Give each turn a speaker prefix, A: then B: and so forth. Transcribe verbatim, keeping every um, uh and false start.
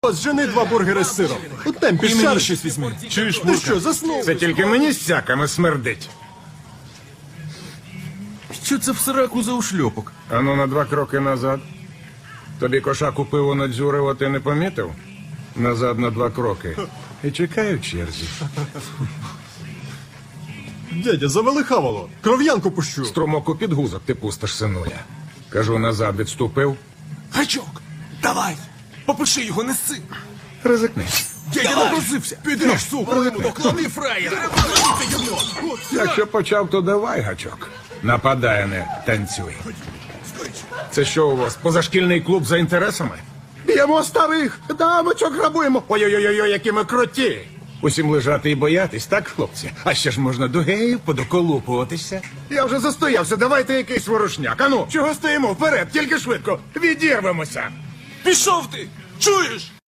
A: Зжени два бургери з сиром. У темпі
B: І мені
A: шар.
B: щось візьми.
A: Чуєш, ти що, заснув?
C: Це тільки мені з сяками смердить.
B: Що це в сраку за ушльопок?
C: Ану на два кроки назад. Тобі кошаку пиво надзюрив, а ти не помітив? Назад на два кроки. І чекаю в черзі.
A: Дядя, завели хавало. Кров'янку пущу.
C: Струмок у підгузок ти пустиш, синуля. Кажу, назад відступив.
B: Гачок, давай! Попиши його, неси!
C: Ризикни.
B: Я напросився! Підеш, сука! Доклади фраєра!
C: Якщо почав, то давай, гачок. Нападай, а не танцюй. Це що у вас, позашкільний клуб за інтересами? Б'ємо старих, дамочок грабуємо. Ой-ой-ой, які ми круті. Усім лежати і боятись, так, хлопці? А ще ж можна до геїв подоколупуватися. Я вже застоявся, давайте якийсь ворушняк. Ану, чого стоїмо? Вперед, тільки швидко. Відірвемося.
B: Пішов ти! Чуєш?